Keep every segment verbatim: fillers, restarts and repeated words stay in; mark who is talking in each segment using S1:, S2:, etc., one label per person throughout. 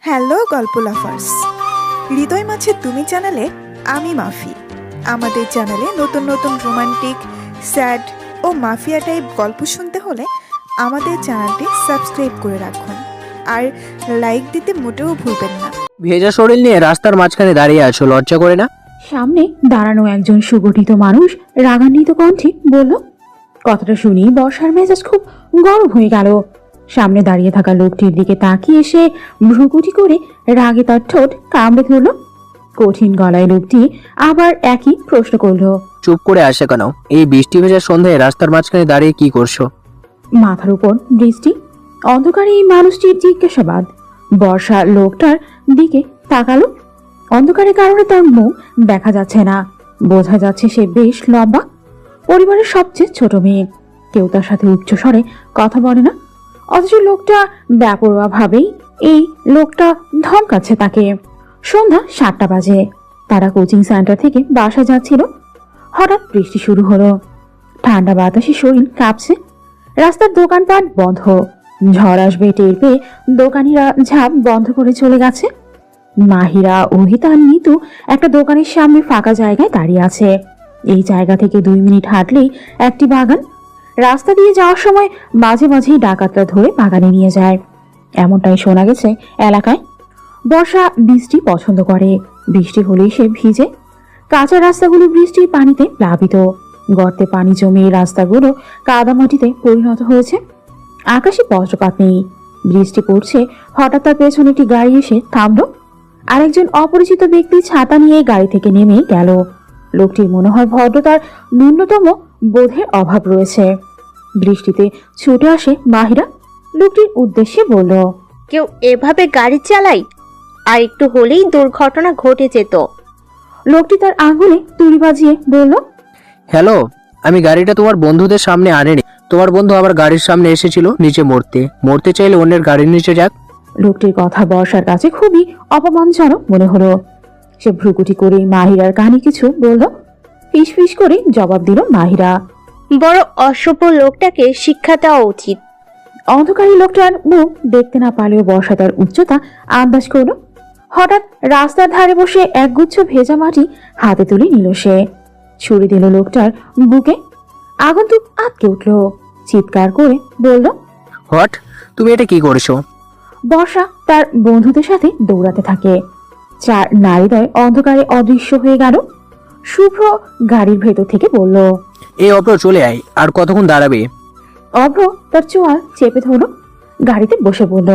S1: Hello গল্প লাফার্স, হৃদয় মাঝে তুমি চ্যানেলে আমি মাফি। আমাদের চ্যানেলে নতুন নতুন রোমান্টিক, স্যাড ও মাফিয়া টাইপ গল্প শুনতে হলে আমাদের চ্যানেলটি সাবস্ক্রাইব করে রাখুন আর লাইক দিতে মোটেও ভুলবেন না।
S2: ভেজা শরীর নিয়ে রাস্তার মাঝখানে দাঁড়িয়ে আছো, লজ্জা করে না?
S3: সামনে দাঁড়ানো একজন সুগঠিত মানুষ রাগান্বিত কণ্ঠে বলল। কথাটা শুনি বর্ষার মেজাজ খুব গরম হয়ে গেল। সামনে দাঁড়িয়ে থাকা লোকটির দিকে তাকিয়ে এসে ভ্রুকুটি করে রাগে তার ঠোঁট কামড়ে ধরল। কঠিন গলায় লোকটি আবার একই প্রশ্ন করলো।
S2: চুপ করে আসে কেন? এই বৃষ্টি ভেজা সন্ধ্যায় রাস্তার মাঝখানে দাঁড়িয়ে কি করছো?
S3: মাথার উপর বৃষ্টি, অন্ধকারে এই মানুষটির জিজ্ঞাসাবাদ। বর্ষা লোকটার দিকে তাকালো। অন্ধকারের কারণে তার মুখ দেখা যাচ্ছে না, বোঝা যাচ্ছে সে বেশ লম্বা, পরিবারের সবচেয়ে ছোট মেয়ে। কেউ তার সাথে উচ্চ স্বরে কথা বলে না, অথচ লোকটা বেপরোয়া ভাবেই এই লোকটা ধমকাচ্ছে তাকে। সন্ধ্যা সাতটা বাজে, তারা কোচিং সেন্টার থেকে বাসা যাচ্ছিল। হঠাৎ বৃষ্টি শুরু হলো। ঠান্ডা বাতাসে শরীর কাঁপছে। রাস্তার দোকানপাট বন্ধ। ঝড় আসবে টের পেয়ে দোকানিরা ঝাঁপ বন্ধ করে চলে গেছে। মাহিরা, অহিতা, নিতু একটা দোকানের সামনে ফাঁকা জায়গায় দাঁড়িয়ে আছে। এই জায়গা থেকে দুই মিনিট হাঁটলেই একটি বাগান। রাস্তা দিয়ে যাওয়ার সময় মাঝে মাঝেই ডাকাতরা ধরে বাগানে নিয়ে যায়, এমনটাই শোনা গেছে এলাকায়। বর্ষা বৃষ্টি পছন্দ করে, বৃষ্টি হলেই সে ভিজে। কাঁচা রাস্তাগুলো বৃষ্টির পানিতে প্লাবিত, গর্তে পানি জমে রাস্তাগুলো কাদামাটিতে পরিণত হয়েছে। আকাশে বজ্রপাত নেই, বৃষ্টি পড়ছে। হঠাৎ তার পেছনে একটি গাড়ি এসে থামলো। আরেকজন অপরিচিত ব্যক্তি ছাতা নিয়ে গাড়ি থেকে নেমে গেল। লোকটির মনে হয় ভদ্রতার ন্যূনতম বোধের অভাব রয়েছে। বৃষ্টিতে ছুটে আসে মাহিরা, লোকটির উদ্দেশ্যে বলল,
S4: কেউ এভাবে গাড়ি চালায়? আর একটু হলেই দুর্ঘটনা ঘটে যেত।
S3: লোকটি তার আঙুলে তুড়ি বাজিয়ে বলল,
S2: হ্যালো, আমি গাড়িটা তোমার বন্ধুদের সামনে আনিনি। তোমার বন্ধু আবার গাড়ির সামনে এসেছিল নিচে মরতে। মরতে চাইলে অন্যের গাড়ির নিচে যাক।
S3: লোকটির কথা বর্ষার কাছে খুবই অপমানজনক মনে হলো। সে ভ্রুকুটি করে মাহিরার কানে কিছু বলল। ফিস ফিস করে জবাব দিল মাহিরা।
S4: বড় অসভ্য লোকটাকে শিক্ষা দেওয়া উচিত।
S3: অন্ধকারী লোকটার মুখ দেখতে না পারলেও বর্ষা তার উচ্চতা আন্দাজ করল। হঠাৎ রাস্তার ধারে বসে একগুচ্ছ ভেজা মাটি হাতে তুলে নিল সে। ছুরি দিল লোকটার বুকে। আগন্তুক আটকে উঠল, চিৎকার করে বলল,
S2: হোয়াট? তুমি এটা কি করছো?
S3: বর্ষা তার বন্ধুদের সাথে দৌড়াতে থাকে। চার নারীদ্বয় অন্ধকারে অদৃশ্য হয়ে গেল। শুভ্র গাড়ির ভেতর থেকে বলল,
S2: এই অপ্র চলে আয়, আর কতক্ষণ দাঁড়াবে?
S3: অভ্র তার চোয়াল চেপে ধরল, গাড়িতে বসে বলল,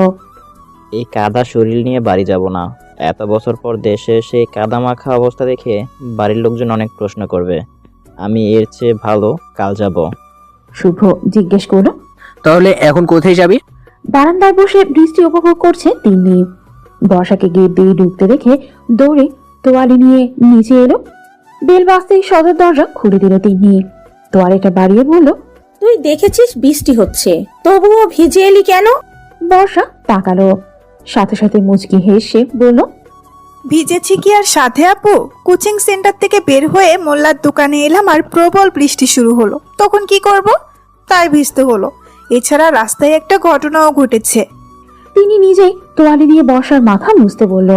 S5: এই কাদা শরীর নিয়ে বাড়ি যাব না। এত বছর পর দেশে এসে কাদা মাখা অবস্থা দেখে বাড়ির লোকজন অনেক প্রশ্ন করবে। আমি এর চেয়ে ভালো কাল যাব।
S3: শুভ্র জিজ্ঞেস করল,
S2: তাহলে এখন কোথায় যাবি?
S3: বারান্দায় বসে বৃষ্টি উপভোগ করছে তিনি। বর্ষাকে গেট দিয়ে ঢুকতে দেখে দৌড়ে তোয়ালি নিয়ে নিচে এলো। বেল বাজতেই সদর দরজা খুলে দিল তিনি। তোয়ালিটা বাড়িয়ে বলল,
S6: তুই দেখেছিস বৃষ্টি হচ্ছে, তবুও ভিজে এলি কেন?
S3: বর্ষা তাকালো, সাথে সাথে মুচকি হেসে বলল,
S1: ভিজেছি কি আর সাথে আপু? কোচিং সেন্টার থেকে বের হয়ে মোল্লার দোকানে এলাম আর প্রবল বৃষ্টি শুরু হলো, তখন কি করব? তাই ভিজতে হলো। এছাড়া রাস্তায় একটা ঘটনাও ঘটেছে।
S3: তিনি নিজেই তোয়ালি দিয়ে বর্ষার মাথা মুছতে বলল।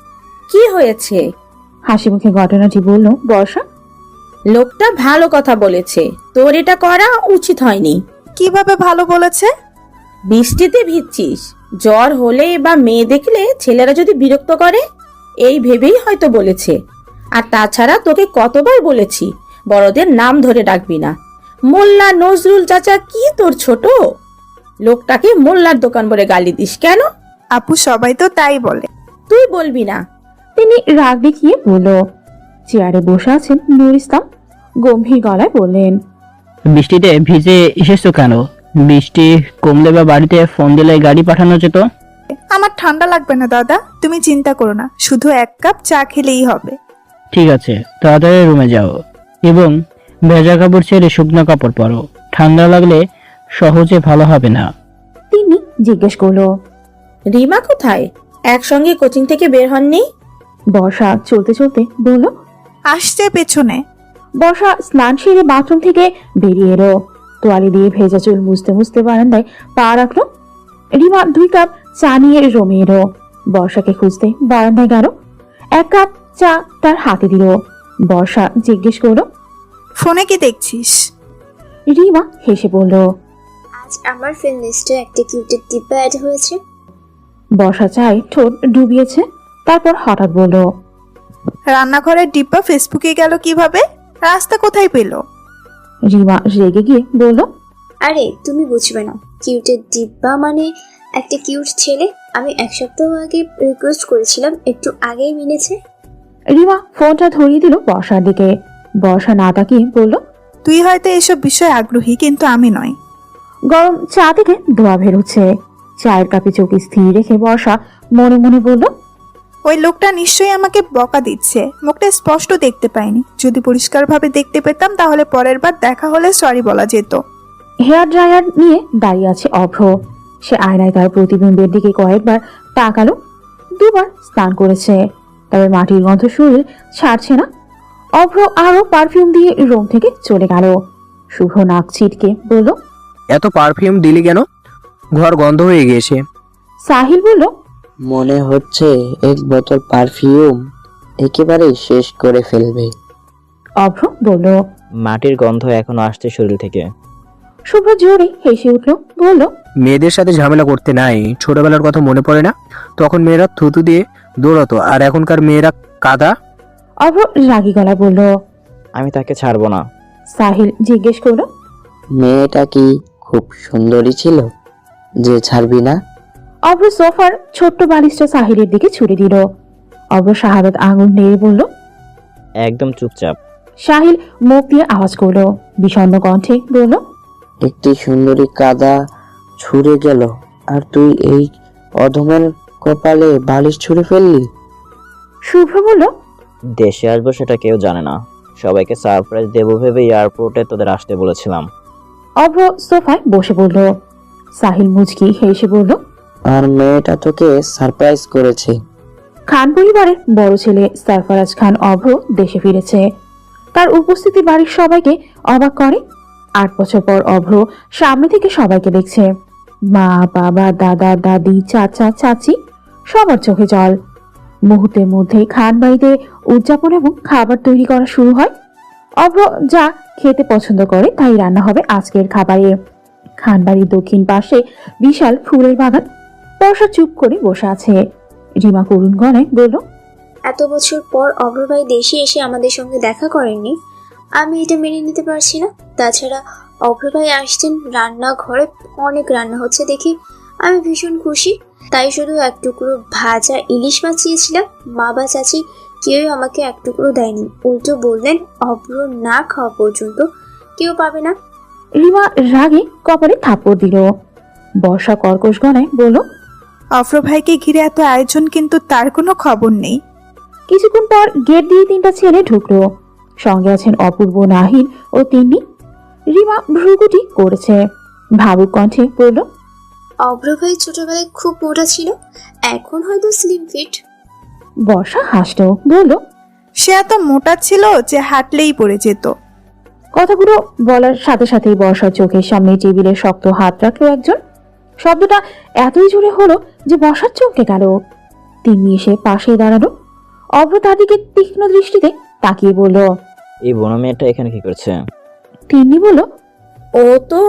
S6: কি হয়েছে?
S3: হাসি মুখে ঘটনাটি বলল বর্ষা।
S6: লোকটা ভালো কথা বলেছে, তোর এটা করা উচিত হয়নি।
S1: কিভাবে ভালো বলেছে?
S6: বৃষ্টিতে ভিজছিস, জ্বর হলে বা মেয়ে দেখলে ছেলেরা যদি বিরক্ত করে, এই ভেবেই হয়তো বলেছে। আর তাছাড়া তোকে কতবার বলেছি বড়দের নাম ধরে ডাকবি না। মোল্লা নজরুল চাচা কি তোর ছোট? লোকটাকে মোল্লার দোকান বলে গালি দিস কেন?
S1: আপু সবাই তো তাই বলে।
S6: তুই বলবি না।
S3: তিনি রাগ দেখিয়ে বলল। চেয়ারে বসে আছেন নূর ইসলাম, গম্ভীর গলায় বললেন,
S7: বৃষ্টিতে ভিজে এসেছো কেন? বৃষ্টি কমলে বা বাড়িতে ফোন দিলে গাড়ি পাঠানো যেত।
S1: আমার ঠান্ডা লাগবে না দাদা, তুমি চিন্তা করো না, শুধু এক কাপ চা খেলেই হবে।
S7: ঠিক আছে, তাড়াতাড়ি রুমে যাও এবং ভেজা কাপড় ছেড়ে শুকনো কাপড় পরো। ঠান্ডা লাগলে সহজে ভালো হবে না।
S3: তিনি জিজ্ঞেস করলো,
S6: রিমা কোথায়? একসঙ্গে কোচিং থেকে বের হননি?
S3: বর্ষা চলতে চলতে বলল।
S1: আসছে পেছনে।
S3: বর্ষা স্নান সেরে বাথরুম থেকে বেরিয়ে এলো। তোয়ালি দিয়ে ভেজা চুল মুছতে মুছতে বারান্দায় পা রাখলো। রিমা দুই কাপ চা নিয়ে রমে এলো। বর্ষাকে খুঁজতে বারান্দায় গেল। এক কাপ চা তার হাতে দিল। বর্ষা জিজ্ঞেস করলো,
S1: ফোনে কি দেখছিস?
S3: রিমা হেসে বলল।
S8: আজ আমার ফ্রেন্ড লিস্টে একটা কিউটের ডিব্বা অ্যাড হয়েছে।
S3: বর্ষা চায় ঠোঁট ডুবিয়েছে, তারপর হঠাৎ বলল,
S1: রান্নাঘরের ডিব্বা ফেসবুকে গেল কিভাবে? রাস্তা কোথায় পেল?
S3: রিমা রেগে গিয়ে বলল,
S8: আরে তুমি বুঝবে না, কিউটের ডিব্বা মানে একটা কিউট ছেলে। আমি এক সপ্তাহ আগে রিকোয়েস্ট করেছিলাম, একটু আগেই মেনেছে।
S3: রিমা ফোনটা ধরিয়ে দিল বর্ষার দিকে। বর্ষা না তাকিয়ে বলল,
S1: তুই হয়তো এসব বিষয়ে আগ্রহী, কিন্তু আমি নয়।
S3: গরম চা থেকে ধোয়া বেরোচ্ছে। চায়ের কাপে চোখ স্থির রেখে বর্ষা মনে মনে বলল,
S1: ওই লোকটা নিশ্চয়ই আমাকে বকা দিচ্ছে। মুখটা স্পষ্ট দেখতে পাইনি, যদি পরিষ্কারভাবে দেখতে পেতাম তাহলে পরের বার দেখা হলে সরি বলা যেত।
S3: হেয়ার ড্রায়ার নিয়ে দাঁড়িয়ে আছে অভ্র। সে আয়নায় তার প্রতিবিম্বের দিকে কয়েকবার তাকালো। দুবার স্নান করেছে, তবে মাটির গন্ধ শরীর ছাড়ছে না। অভ্র আরো পারফিউম দিয়ে রুম থেকে চলে গেল। শুভ নাক ছিটকে বলল,
S2: এত পারফিউম দিলি কেন? ঘর গন্ধ হয়ে গিয়েছে।
S3: সাহিল বলল,
S9: মনে হচ্ছে এক বোতল পারফিউম একেবারে শেষ করে ফেলবে।
S3: অভ্র বলল।
S5: মাটির গন্ধ এখনো আসছে শরীর থেকে।
S3: শুভ্র জোরে হেসে উঠল, বলল,
S2: মেয়েদের সাথে ঝামেলা করতে নাই। ছোটবেলার কথা মনে পড়ে না? তখন মেয়েরা থুতু দিয়ে দৌড়াতো, আর এখনকার মেয়েরা কাদা।
S3: অভ্র রাগী গলায় বলল।
S5: আমি তাকে ছাড়বো না।
S3: সাহিল জিজ্ঞেস করলো,
S9: মেয়েটা কি খুব সুন্দরী ছিল যে ছাড়বি না?
S3: অভ্র সোফার ছোট্ট বালিশটা সাহিলের দিকে ছুড়ে দিল। অভ্র শাহাদাত আঙুল নেড়ে বলল।
S5: একদম চুপচাপ।
S3: সাহিল মুখ দিয়ে আওয়াজ করলো, বিষণ্ণ কণ্ঠে বলল,
S9: একটি সুন্দরী কাদা ছুঁড়ে গেল আর তুই এই অধমের কপালে বালিশ ছুঁড়ে ফেললি।
S3: শুভ্র বলল,
S5: দেশে আসবো সেটা কেউ জানে না। সবাইকে সারপ্রাইজ দেবো ভেবে এয়ারপোর্টে তোদের আসতে বলেছিলাম।
S3: অভ্র সোফায় বসে পড়ল। সাহিল মুচকি হেসে বলল,
S9: আর মেয়েটা তোকে সারপ্রাইজ করেছে।
S3: খান পরিবারের বড় ছেলে সরফরাজ খান অভ্র দেশে ফিরেছে। তার উপস্থিতি বাড়ির সবাইকে অবাক করে। আট বছর পর অভ্র সামনে থেকে সবাইকে দেখছে। মা, বাবা, দাদা, দাদি, চাচা, চাচি, সবার চোখে জল। মুহূর্তের মধ্যেই খান বাড়িতে উদযাপন এবং খাবার তৈরি করা শুরু হয়। অভ্র যা খেতে পছন্দ করে তাই রান্না হবে আজকের খাবারে। খান বাড়ির দক্ষিণ পাশে বিশাল ফুলের বাগান। বর্ষা চুপ করে বসে আছে। রিমা করুণ গলায় বলল,
S8: এত বছর পর অগ্রভাই দেশে এসে আমাদের সঙ্গে দেখা করেননি, আমি এটা মেনে নিতে পারছি না। তাছাড়া অগ্রভাই আসছেন, রান্নাঘরে অনেক রান্না হচ্ছে দেখি আমি ভীষণ খুশি। তাই শুধু এক টুকরো ভাজা ইলিশ মাছ চেয়েছিলাম, মা বা চাচি কেউ আমাকে এক টুকরো দেয়নি। উল্টো বললেন অভ্র না খাওয়া পর্যন্ত কেউ পাবে না।
S3: রিমা রাগে কপালে থাপ্পড় দিল। বর্ষা কর্কশ গলায় বলল,
S1: অফ্র ভাইকে ঘিরে এত আয়োজন, কিন্তু তার কোনো খবর নেই।
S3: কিছুক্ষণ পর গেট দিয়ে তিনটা ছেলে ঢুকলো। সঙ্গে আছেন অপূর্ব, নাহিদ ও তিন্নি। রিমা ভ্রুকুটি করেছে, ভাবুক কণ্ঠে বলল,
S8: অগ্রভাই ছোটবেলায় খুব মোটা ছিল, এখন হয়তো স্লিম ফিট।
S3: বর্ষা হাসল, বলল,
S1: সে এত মোটা ছিল যে হাঁটলেই পড়ে যেত।
S3: কথাগুলো বলার সাথে সাথেই বর্ষার চোখের সামনে টেবিলে শক্ত হাত রাখলো একজন। শব্দটা এতই জোরে হলো যে বর্ষার চমকে গেল। তিন্নি এসে পাশে দাঁড়ালো। অভ্র তার দিকে তীক্ষ্ণ দৃষ্টিতে তাকিয়ে বলল,
S5: এই বন মেয়েটা এখানে কি করছে?
S3: তিন্নি বলল,
S6: ও তো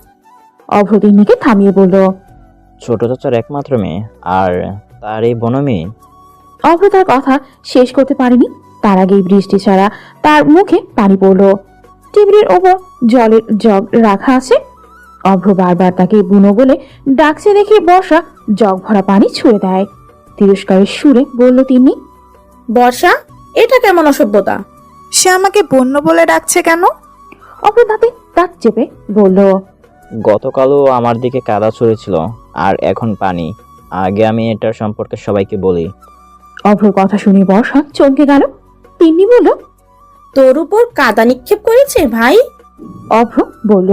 S3: অভ্র তিন্নিকে থামিয়ে বলল,
S5: ছোট চাচার একমাত্র মেয়ে, আর তার এই বন মেয়ে।
S3: অভ্র তার কথা শেষ করতে পারেনি, তার আগেই বৃষ্টি ছাড়া তার মুখে পানি পড়ল। টেবিলের ওপর জলের জগ রাখা আছে। অভ্র বারবার তাকে বুনো বলে ডাকছে দেখে বর্ষা জগ ভরা পানি ছুঁড়ে দেয়। তিরস্কারের সুরে বলল তিন্নি,
S6: বর্ষা, এটা কেমন অসভ্যতা?
S1: সে আমাকে বন্য বলে ডাকছে কেন?
S3: অভ্র দাঁতে দাঁত চেপে বলল,
S5: গতকালও আমার দিকে কাদা ছড়েছিল, আর এখন পানি। আগে আমি এটার সম্পর্কে সবাইকে বলি।
S3: অভ্রর কথা শুনে বর্ষা চমকে গেল। তিন্নি বলল,
S6: তোর উপর কাদা নিক্ষেপ করেছে ভাই?
S3: অভ্র বলল,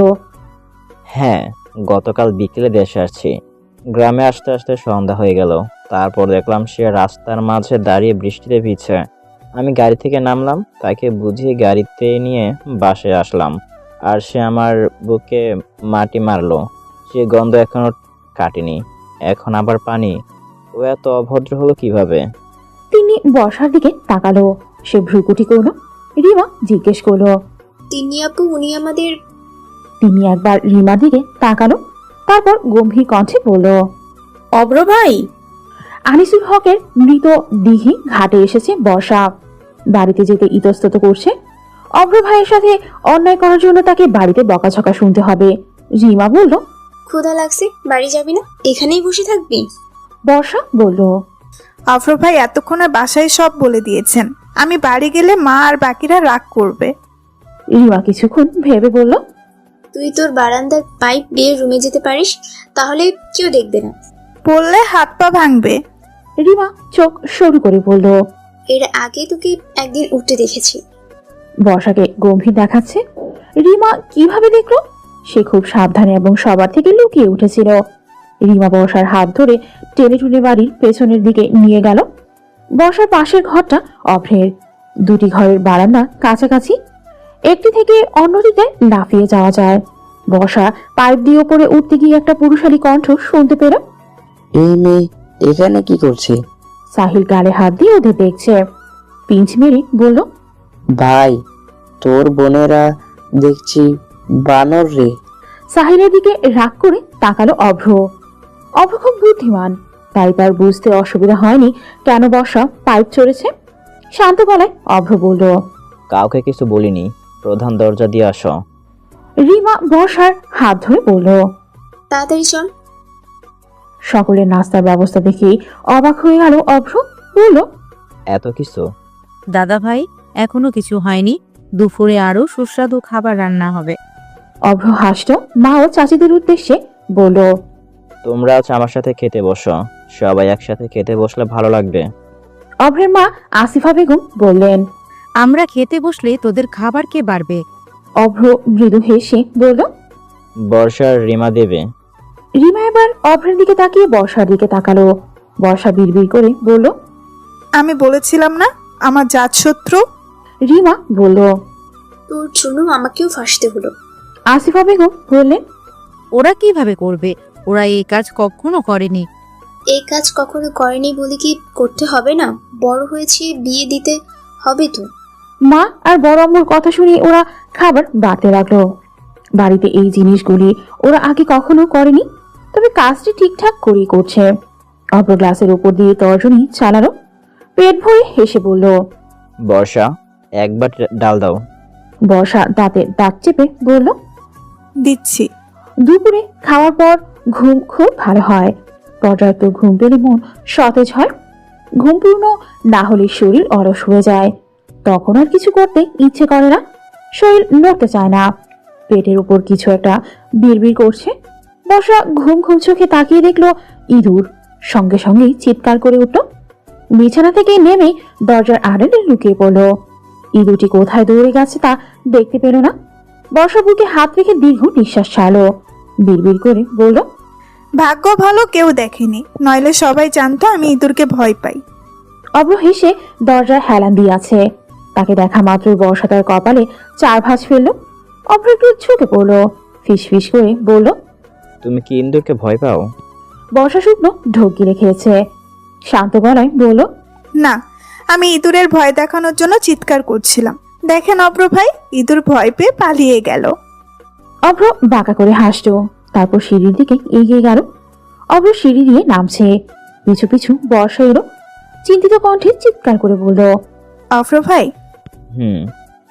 S5: হ্যাঁ, গতকাল বিকেলে দেশে আসছি। গ্রামে আসতে আসতে সন্ধ্যা হয়ে গেল। তারপর দেখলাম সে রাস্তার মাঝে দাঁড়িয়ে বৃষ্টিতে ভিজছে। আমি গাড়ি থেকে নামলাম, তাকে বুঝিয়ে গাড়িতে নিয়ে বাসে আসলাম, আর সে আমার বুকে মাটি মারলো। সে গন্ধ এখনো কাটেনি, এখন আবার পানি। এত অভদ্র হলো কিভাবে?
S3: তিনি বর্ষার দিকে তাকালো। সে ভ্রুকুটি করলো। রিমা জিজ্ঞেস করলো।
S8: তিনি আপু উনি আমাদের।
S3: তিনি একবার রিমার দিকে তাকালো, তারপর গম্ভীর কণ্ঠে বলল,
S6: অব্র ভাই।
S3: আনিসুল হকের মৃত দিঘি ঘাটে এসেছে বর্ষা। বাড়িতে যেতে ইতস্তত করছে। অভ্র ভাইয়ের সাথে অন্যায় করার জন্য তাকে বাড়িতে বকাঝকা শুনতে হবে। রিমা বলল,
S8: ক্ষুধা লাগছে, বাড়ি যাবি না, এখানেই বসে থাকবি?
S3: বর্ষা বলল,
S1: আফরোজ ভাই এতক্ষণে বাসায় সব বলে দিয়েছেন, আমি বাড়ি গেলে মা আর বাকিরা রাগ করবে।
S3: রিমা কিছুক্ষণ ভেবে বলল,
S8: তুই তোর বারান্দার পাইপ দিয়ে রুমে যেতে পারিস, তাহলে কেউ দেখবে না।
S1: বললে হাত পা ভাঙবে।
S3: রিমা চোখ সরু করে বলল,
S8: এর আগে তোকে একদিন উঠতে দেখেছি।
S3: বর্ষাকে গম্ভীর দেখাচ্ছে। রিমা কিভাবে দেখলো? সে খুব সাবধানে এবং সবার থেকে লুকিয়ে উঠেছিল। রিমা বর্ষার হাত ধরে টেনে টুনে বাড়ির পেছনের দিকে নিয়ে গেল। বর্ষার পাশের ঘরটা অভ্রের। দুটি ঘরের বারান্দা কাছাকাছি, একটি থেকে অন্যদিকে লাফিয়ে যাওয়া যায়। বর্ষা পাইপ দিয়ে ওপরে উঠতে গিয়ে একটা পুরুষালী কণ্ঠ শুনতে পেল।
S9: এই মেয়ে এখানে কি করছে?
S3: সাহিল গালে হাত দিয়ে ওদের দেখছে। পিঞ্চ মেরে বলল,
S9: ভাই, তোর বোনেরা দেখছি বানর রে।
S3: সাহিলের দিকে রাগ করে তাকালো অভ্র। অভ্র খুব বুদ্ধিমান, তাই তার বুঝতে অসুবিধা হয়নি কেন বর্ষা পাইপ চড়েছে। শান্ত গলায় অভ্র বলল,
S5: কাউকে কিছু বলিনি, প্রধান দরজা দিয়ে আসো।
S3: রিমা বর্ষার হাত ধরে বলল।
S8: তাড়াতাড়ি চল।
S3: সকলের নাস্তার ব্যবস্থা দেখেই অবাক হয়ে গেল অভ্র। বলল,
S5: এত কিছু?
S10: দাদা ভাই, এখনো কিছু হয়নি, দুপুরে আরো সুস্বাদু খাবার রান্না হবে।
S3: অভ্র হাসল। মা ও চাচিদের উদ্দেশ্যে বলল,
S5: তোমরা আজ আমার সাথে খেতে বসো, সবাই একসাথে খেতে বসলে ভালো লাগবে।
S3: অভ্রের মা আসিফা বেগম বললেন।
S10: আমরা খেতে বসলে তোদের খাবার কে বাড়বে?
S3: অভ্র মৃদু হেসে বলল।
S5: বর্ষার রিমা দেবে।
S3: রিমা এবার অভ্রের দিকে তাকিয়ে বর্ষার দিকে তাকালো। বর্ষা বিড়বিড় করে বলল,
S1: আমি বলেছিলাম না আমার জাত শত্রু।
S3: রিমা বলল।
S8: তোর জন্য আমাকেও ফাঁসতে হলো।
S3: আসিফা বেগম বললেন,
S10: ওরা কিভাবে করবে? ওরা এই কাজ কখনো করেনি।
S8: এই কাজ কখনো করেনি বলে কি করতে হবে না? বড় হয়েছে, বিয়ে দিতে হবে তো।
S3: মা আর বড় আম্মুর কথা শুনে ওরা খাবার বাড়তে লাগলো। বাড়িতে এই জিনিসগুলি ওরা আগে কখনো করেনি, তবে কাজটি ঠিকঠাক করেই করছে। অপর গ্লাসের উপর দিয়ে তর্জনী চালালো। পেট ভরে হেসে বলল,
S5: বর্ষা, একবার ডাল দাও।
S3: বর্ষা দাঁতে দাঁত চেপে বলল,
S1: দিচ্ছি।
S3: দুপুরে খাওয়ার পর ঘুম খুব ভালো হয়। পর্যাপ্ত ঘুম পেলে মন সতেজ হয়। ঘুম পূর্ণ না হলে শরীর অলস হয়ে যায়। তখন আর কিছু করতে ইচ্ছে করে না, শরীর নড়তে চায় না। পেটের উপর কিছু একটা বিড়বিড় করছে। বর্ষা ঘুম ঘুম চোখে তাকিয়ে দেখলো ইঁদুর। সঙ্গে সঙ্গেই চিৎকার করে উঠল। বিছানা থেকে নেমে দরজার আড়ালে লুকিয়ে পড়ল। ইঁদুরটি কোথায় দৌড়ে গেছে তা দেখতে পেল না। বর্ষা বুকে হাত রেখে দীর্ঘ নিঃশ্বাস ছাড়লো। বিড়বিড় করে বলল,
S1: ভাগ্য ভালো কেউ দেখেনি, নইলে সবাই জানতো আমি ইঁদুরকে ভয় পাই।
S3: অব্র হেসে দরজায় হেলান দিয়ে আছে। তাকে দেখা মাত্রই বর্ষা তার কপালে চার ভাঁজ ফেললো। অব্র একটু ঝুঁকে পড়লো, ফিস ফিস করে বলল,
S5: তুমি কি ইন্দুরকে ভয় পাও?
S3: বর্ষা শুকনো ঢোক গিলে খেয়েছে। শান্ত গলায় বলল,
S1: না, আমি ইঁদুরের ভয় দেখানোর জন্য চিৎকার করছিলাম। দেখেন অব্র ভাই, ইঁদুর ভয় পেয়ে পালিয়ে গেল।
S3: অব্র বাঁকা করে হাসলো, তারপর সিঁড়ির দিকে এগিয়ে গেল। অব্র সিঁড়ি দিয়ে নামছে। পিছু পিছু বর্ষা এলো। চিন্তিত কণ্ঠে চিৎকার করে বলল,
S1: অব্র ভাই।
S5: হুম।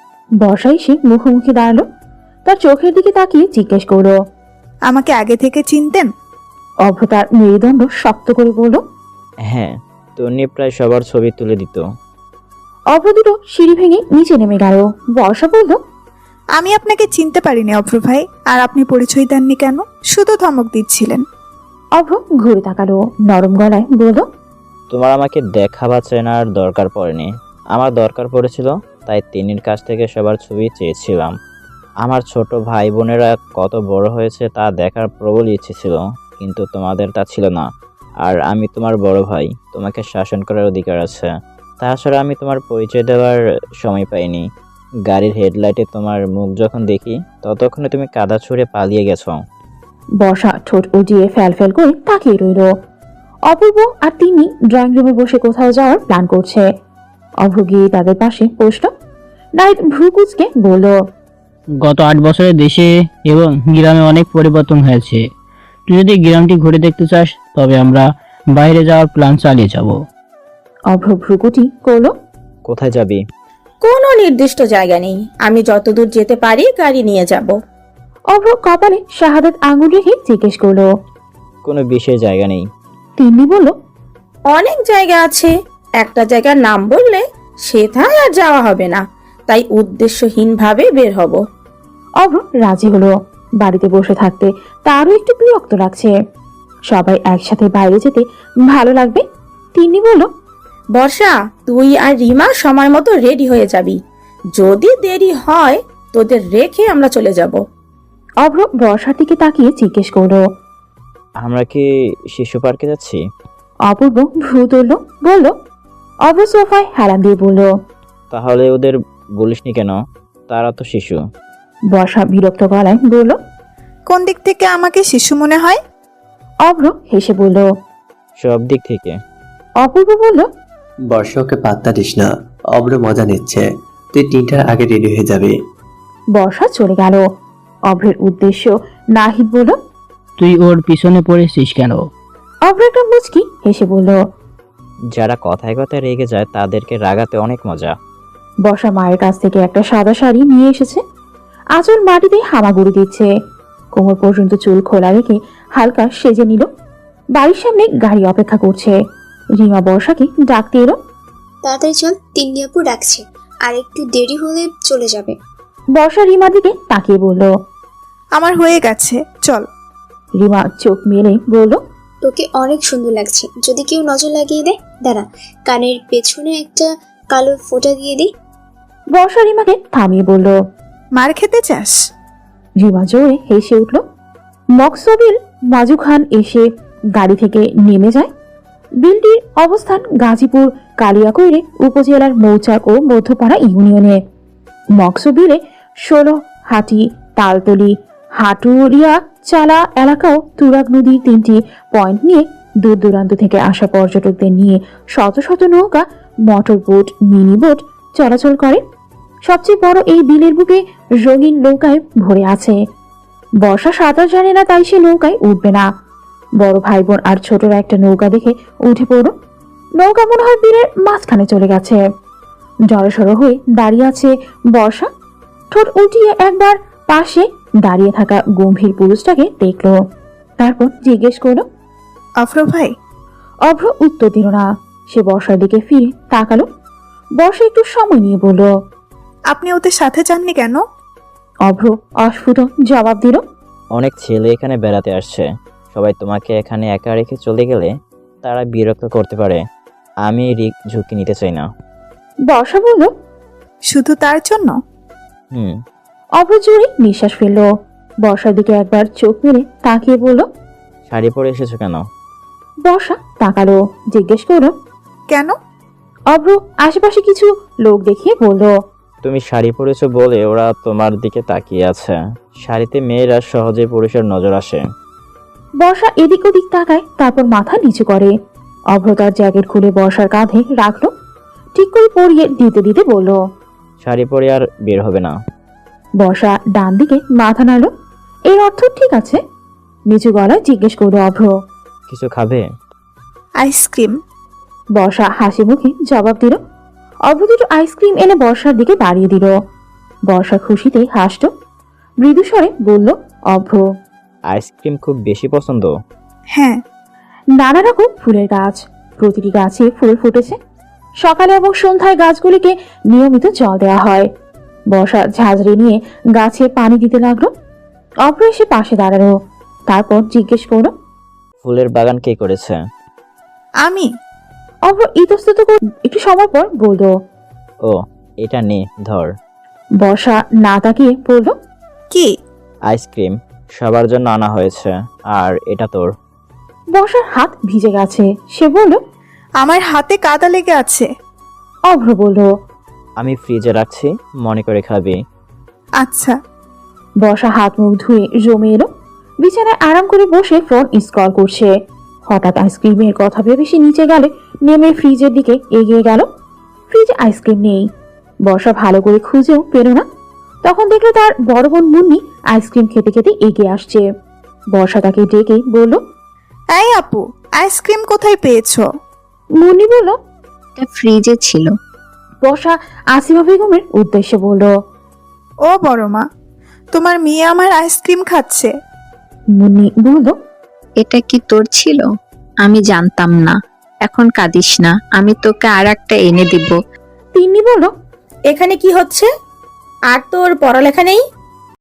S3: বর্ষা এসে মুখোমুখি দাঁড়ালো। তার চোখের দিকে তাকিয়ে জিজ্ঞেস করলো,
S1: আমাকে আগে থেকে চিনতেন?
S3: অভ্র তার মেরুদণ্ড শক্ত করে বলল,
S5: হ্যাঁ, তন্নি প্রায় সবার ছবি তুলে দিত।
S3: অভ্র দুটো সিঁড়ি ভেঙে নিচে নেমে গেল। বর্ষা বলল,
S1: আমি আপনাকে চিনতে পারিনি অব্র ভাই। আর আপনি পরিচয় দেননি কেন? শুধু ধমক দিচ্ছিলেন।
S3: অভ্র ঘুরে তাকালো, নরম গলায় বলল,
S5: তোমার আমাকে দেখা বা চেনার দরকার পড়েনি, আমার দরকার পড়েছিল, তাই তিন্নির কাছ থেকে সবার ছবি চেয়েছিলাম। আমার ছোট ভাই বোনেরা কত বড় হয়েছে তা দেখার প্রবল ইচ্ছে ছিল, কিন্তু তোমাদের তা ছিল না। আর আমি তোমার বড় ভাই, তোমাকে শাসন করার অধিকার আছে। তাছাড়া আমি তোমার পরিচয় দেওয়ার সময় পাইনি। গাড়ির হেডলাইটে তোমার মুখ যখন দেখি ততক্ষণে তুমি কাদা ছুঁড়ে পালিয়ে গেছো।
S3: বর্ষা ঠোঁট উজিয়ে ফ্যাল ফ্যাল করে তাকিয়ে রইল। অপূর্ব আর তিনি ড্রয়িং রুমে বসে কোথাও যাওয়ার প্ল্যান করছে। অভ্র গিয়ে তাদের পাশে বসল। নাহিদ ভ্রুকুচকে বলল,
S7: গত আট বছরে দেশে এবং গ্রামে অনেক পরিবর্তন হয়েছে। তুই যদি গ্রামটি ঘুরে দেখতে চাস তবে আমরা বাইরে যাওয়ার প্ল্যান চালিয়ে যাব।
S3: অভ্র ভ্রুকুটি করল।
S5: কোথায় যাবি?
S6: কোনো নির্দিষ্ট জায়গা নেই, আমি যতদূর যেতে পারি গাড়ি নিয়ে যাব।
S3: অভ্র কপালে শাহাদাত আঙুল রেখে জিজ্ঞেস করলো।
S5: কোনো বিশেষ জায়গা নেই।
S3: তিন্নি বলল,
S6: অনেক জায়গা আছে, একটা জায়গার নাম বললে সেটাই আর যাওয়া হবে না, তাই উদ্দেশ্যহীনভাবে বের হব।
S3: অভ্র রাজি হলো। বাড়িতে বসে থাকতে তারও একটু বিরক্ত লাগছে। সবাই একসাথে বাইরে যেতে ভালো লাগবে। তিন্নি বলল,
S6: বর্ষা, তুই আর রিমা সময় মতো রেডি হয়ে যাবি, যদি দেরি হয় তোদের রেখে আমরা চলে যাব।
S3: অভ্র বর্ষার দিকে তাকিয়ে জিজ্ঞেস করলো।
S5: আমরা কি শিশু পার্কে যাচ্ছি?
S3: অপূর্ব ভ্রু তুলল, বলল। অভ্র সোফায় হেলান দিয়ে বলল,
S5: তাহলে ওদের বলিসনি কেন? তারা তো শিশু।
S3: বর্ষা বিরক্ত গলায় বলল।
S1: কোন দিক থেকে আমাকে শিশু মনে হয়?
S3: অভ্র হেসে বলল।
S5: সব দিক থেকে।
S3: অপূর্ব বলল,
S11: বর্ষাকে পাত্তা দিস না, অব্র মজা নিচ্ছে। তুই তিনটার আগে রেডি হয়ে যাবি।
S3: বর্ষা চলে গেল। অভ্রের উদ্দেশ্য নাহিদ বলল,
S7: তুই ওর পিছনে পড়েছিস কেন?
S3: অভ্র একটা মুচকি হেসে বলল।
S5: যারা কথায় কথায় রেগে যায় তাদেরকে রাগাতে অনেক মজা।
S3: বর্ষা মায়ের কাছ থেকে একটা সাদা শাড়ি নিয়ে এসেছে। আঁচল মাটিতে হামাগুড়ি দিচ্ছে। কোমর পর্যন্ত চুল খোলা রেখে হালকা সেজে নিল। বাড়ির সামনে গাড়ি অপেক্ষা করছে। রিমা বর্ষাকে ডাকতে এলো।
S8: তাড়াতাড়ি চল, তিন্নি আপু ডাকছে, আর একটু দেরি হলে চলে যাবে।
S3: বর্ষা রিমার দিকে তাকিয়ে বলল,
S1: আমার হয়ে গেছে, চল।
S3: রিমা চোখ মেলে বলল,
S8: তোকে অনেক সুন্দর লাগছে, যদি কেউ নজর লাগিয়ে দেয়। দাঁড়া, কানের পেছনে একটা কালো ফোঁটা দিয়ে দিই।
S3: বর্ষা রিমাকে থামিয়ে বলল,
S1: মার খেতে চাস?
S3: রিমা জোরে হেসে উঠল। মকসবিল মাজু খান এসে গাড়ি থেকে নেমে যায়। বিলটির অবস্থান গাজীপুর কালিয়াকৈরে উপজেলার মৌচাক ও মধ্যপাড়া ইউনিয়নে। মকসবিলে ষোলো হাটি, তালতলি, হাটুরিয়া চালা এলাকাও তুরাগ নদীর তিনটি পয়েন্ট নিয়ে দূর দূরান্ত থেকে আসা পর্যটকদের নিয়ে শত শত নৌকা, মোটর বোট, মিনি বোট চলাচল করে। সবচেয়ে বড় এই বিলের বুকে রঙিন নৌকায় ভরে আছে। বর্ষা সাঁতার জানে না, তাই সে নৌকায় উঠবে না। বড় ভাই বোন আর ছোটরা একটা নৌকা দেখে উঠে পড়ো। নৌকা মনে হয় বিলের মাঝখানে চলে গেছে। জড়সড় হয়ে দাঁড়িয়ে আছে বর্ষা। ঠোঁট উল্টিয়ে একবার পাশে দাঁড়িয়ে থাকা গম্ভীর পুরুষটাকে দেখলো। তারপর জিজ্ঞেস করলো,
S1: অভ্র ভাই?
S3: অভ্র উত্তর দিল না। সে বর্ষার দিকে ফিরে তাকালো। বর্ষা একটু সময় নিয়ে বলল,
S1: আপনি ওদের সাথে যাননি কেন?
S3: অভ্র অস্ফুট জবাব দিল,
S5: অনেক ছেলে এখানে বেড়াতে আসছে, সবাই তোমাকে এখানে একা রেখে চলে গেলে তারা বিরক্ত করতে পারে। আমি এই রিস্ক ঝুঁকি নিতে চাই না।
S3: বর্ষা বলল,
S1: শুধু তার জন্য?
S5: হুম।
S3: অভ্র জোরে নিঃশ্বাস ফেললো। বর্ষার দিকে একবার চোখ মেলে তাকিয়ে বলল,
S5: শাড়ি পরে এসেছো কেন?
S3: বর্ষা তাকালো, জিজ্ঞেস করলো,
S1: কেন?
S3: অভ্র আশেপাশে কিছু লোক দেখিয়ে বলল,
S5: তুমি শাড়ি পরেছো বলে ওরা তোমার দিকে তাকিয়ে আছে। শাড়িতে মেয়েরা সহজে পুরুষের নজর আসে।
S3: বর্ষা এদিক ওদিক তাকায়, তারপর মাথা নিচু করে। অভ্র তার জ্যাকেট খুলে বর্ষার কাঁধে রাখলো, ঠিক করে পরিয়ে দিতে দিতে বলল,
S5: শাড়ি পরে আর বের হবে না।
S3: বর্ষা ডান দিকে মাথা নাড়ল। এর অর্থ ঠিক আছে। নিচু গলায় জিজ্ঞেস করলো অভ্র,
S5: কিছু খাবে?
S1: আইসক্রিম।
S3: বর্ষা হাসি মুখে জবাব দিল। অভ্র দুটো আইসক্রিম এনে বর্ষার দিকে বাড়িয়ে দিল। বর্ষা খুশিতে হাসল। মৃদু স্বরে বলল অভ্র,
S5: আইসক্রিম খুব বেশি পছন্দ?
S1: হ্যাঁ।
S3: নানা রকম ফুলের গাছ, প্রতিটি গাছে ফুল ফুটেছে। সকালে এবং সন্ধ্যায় গাছগুলিকে নিয়মিত জল দেওয়া হয়। বর্ষা ঝাঁঝরি নিয়ে গাছে পানি দিতে লাগলো। অভ্র এসে পাশে দাঁড়ালো। তারপর জিজ্ঞেস করলো,
S5: ফুলের বাগান কে করেছে?
S1: আমি।
S3: অভ্র ইতস্তত করে একটু সময় পর বলল,
S5: ও, এটা নে ধর।
S3: বর্ষা না তাকিয়ে বলল,
S1: কি?
S5: আইসক্রিম সবার জন্য আনা হয়েছে, আর এটা তোর।
S3: বর্ষার হাত ভিজে গেছে। সে বলল,
S1: আমার হাতে কাদা লেগে আছে।
S3: অভ্র বলল,
S5: আমি ফ্রিজে রাখছি, মনে করে খাবি।
S1: আচ্ছা।
S3: বর্ষা হাত মুখ ধুয়ে জমে এলো। বিছানায় আরাম করে বসে ফোন স্ক্রল করছে। হঠাৎ আইসক্রিমের কথা ভেবে সে নিচে গেলে নেমে ফ্রিজের দিকে এগিয়ে গেল। ফ্রিজে আইসক্রিম নেই। বর্ষা ভালো করে খুঁজেও পেল না। তখন দেখলো তার বড় বোন মুন্নি আইসক্রিম খেতে খেতে এগিয়ে আসছে। বর্ষা তাকে ডেকে বলল,
S1: এই আপু, আইসক্রিম কোথায় পেয়েছো?
S3: মুন্নি বলল,
S12: এটা ফ্রিজে ছিল।
S3: বর্ষা আসিমা বেগমের উদ্দেশ্যে বলল,
S1: ও বড় মা, তোমার মেয়ে আমার আইসক্রিম খাচ্ছে।
S3: মুন্নি বলল,
S12: এটা কি তোর ছিল? আমি জানতাম না। এখন কাঁদিস না, আমি তোকে আর একটা এনে দিব।
S3: তিন্নি বলল,
S6: এখানে কি হচ্ছে? আর তোর পড়ালেখা নেই?